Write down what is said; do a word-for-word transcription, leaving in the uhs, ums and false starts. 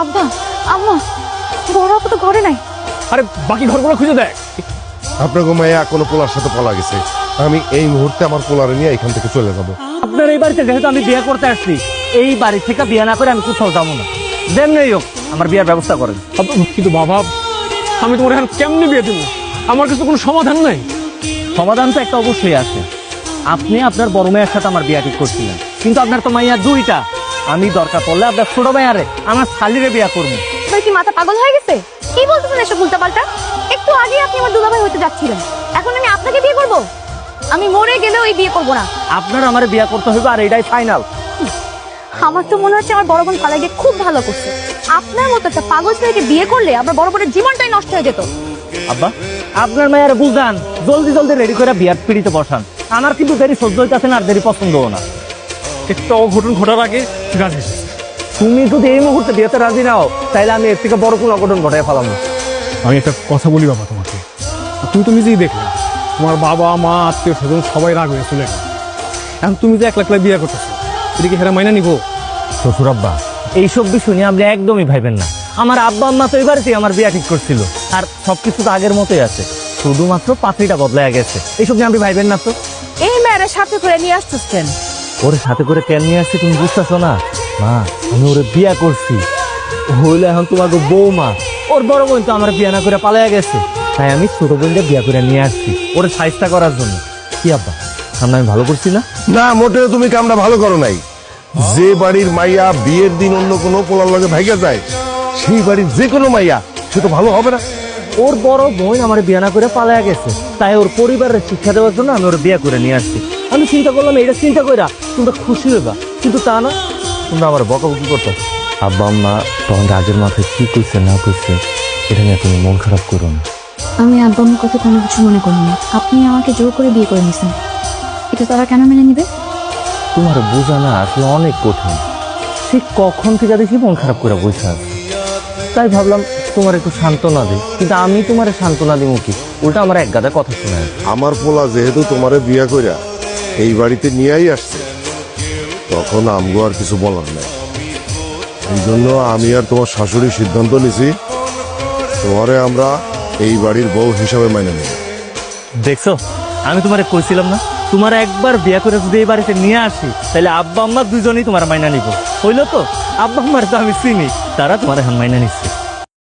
আব্বা আম্মা বড় আপু তো ঘরে নাই। আরে বাকি ঘরগুলো খুঁজে দেখ। আপনার মাইয়া কোনো পোলার সাথে পলা গেছে। আমি এই মুহূর্তে আমার পোলারে নিয়ে এখান থেকে চলে যাব। আপনার এই বাড়িতে যেহেতু আমি বিয়ে করতে আসছি, এই বাড়ি থেকে বিয়ে না করে আমি কোথাও যাবো না। যেমনি হোক আমার বিয়ের ব্যবস্থা করেন। কিন্তু বাবা, আমি তোমার এখন কেমনে বিয়ে দেবো? আমার কাছে কোনো সমাধান নাই। সমাধান তো একটা অবশ্যই আছে। আপনি আপনার বড় মেয়ের সাথে আমার বিয়ে ঠিক করছিলেন, কিন্তু আপনার তো মাইয়া দুইটা। আমি দরকার পড়লে আপনার ছোট মেয়ারে আমার শালিরে বিয়ে করবো। ভাই কি মাথা পাগল হয়ে গেছে? কি বলতেছেন এসব উল্টাপাল্টা? একটু আগে আপনি আমার দুলাভাই হতে যাচ্ছিলেন, এখন আমি আপনাকে বিয়ে করব? আমি মরে গেলেও এই বিয়ে করব না। আপনার আমার বিয়ে করতে হবে, আর এটাই ফাইনাল। আমার তো মনে হচ্ছে আমার বড় বোন পালাইকে খুব ভালো করছে। আপনার মতো একটা পাগল ছেলেকে বিয়ে করলে আমার বড় বোনের জীবনটাই নষ্ট হয়ে যেত। আব্বা, আপনার মায়ের বুঝান, জলদি জলদি রেডি করে বিয়ার পিড়িতে বসান। আমার কিন্তু দেরি সহ্য হইতেছে না, আর দেরি পছন্দও না। একটা অঘটন ঘটার আগে রাজি। তুমি যদি এই মুহূর্তে বিয়েতে রাজি নাও, তাইলে আমি এর থেকে বড় কোনো অঘটন ঘটাই ফেলাম না। আমি একটা কথা বলি বাবা তোমাকে, তুমি তো নিজেই দেখলে তোমার বাবা মা আত্মীয় স্বজন সবাই রাগ হয়ে চলে গেল। এখন তুমি যে এক লাখ লাখ বিয়ে করতেছো, এদিকে হেরা মাইনা নিবো? শ্বশুর আব্বা, এইসব বিষয় নিয়ে আপনি একদমই ভাইবেন না। আমার আব্বা আম্মা তো এবারেতেই আমার বিয়ে ঠিক করছিল, আর সবকিছু তো আগের মতোই আছে, শুধুমাত্র পাত্রীটা বদলায় গেছে। এইসব নিয়ে আপনি ভাইবেন না তো। এই মেয়েরা সাথে করে নিয়ে আসতেছেন। ওরে সাথে করে কেন নিয়ে আসছি তুমি বুঝতেছো না? মা, আমি ওরে বিয়া করছি, হইলে এখন তোমাকে বৌমা। ওর বড় বোন তো আমার বিয়া না করে পালাইয়া গেছে, তাই আমি ছোট বোনকে বিয়া করে নিয়ে আসছি ওরে সাইজটা করার জন্য। কি আব্বা, সামনে আমি ভালো করছি না? না, মোটেও তুমি কামটা ভালো করো নাই। যে বাড়ির মাইয়া বিয়ের দিন অন্য কোনো পোলার লগে ভাইগা যায়, সেই বাড়ির যে কোনো মাইয়া সে তো ভালো হবে না। ওর বড় বোন আমার বিয়া না করে পালাইয়া গেছে, তাই ওর পরিবারের শিক্ষা দেওয়ার জন্য আমি ওর বিয়া করে নিয়ে আসছি। আমি চিন্তা করলাম এটা চিন্তা কইরা তোমরা খুশি হইবা, কিন্তু তা না, তোমরা আমার বকাবকি করতো। আব্বা আম্মা তখন রাগের মাথায় কি কইছে না কইছে এটা নিয়ে তুমি মন খারাপ করো না। আমি আব্বা আম্মুর কথা কোনো কিছু মনে করিনি। আপনি আমাকে জোর করে বিয়ে করে নিয়েছেন, এটা তারা কেন মেনে নিবে? তোমার বোঝা না আসলে অনেক কঠিন। সে কখন থেকে দেখি মন খারাপ করে বসে আছে, তাই ভাবলাম তোমার একটু সান্ত্বনা দিই। কিন্তু আমি তোমার সান্ত্বনা দিব কি, উল্টা আমার এক গাদা কথা শোনায়। আমার পোলা যেহেতু তোমারে বিয়া কইরা এই বাড়িতে নিয়েই আসছে, তখন আমগো আর কিছু বলার নাই। এই জন্য আমি আর তোমার শাশুড়ির সিদ্ধান্ত নিছি, তোমারে আমরা এই বাড়ির বউ হিসাবে মাইনে নিব। দেখছো, আমি তোমারে কইছিলাম না, তোমার একবার বিয়া করে যদি এই বাড়িতে নিয়ে আসি, তাহলে আব্বা আম্মা দুজনেই তোমার মাইনা নিব। হইলো তো? আব্বা আম্মার তো আমি চিনি, তারা তোমার এখন মাইনা নিচ্ছে।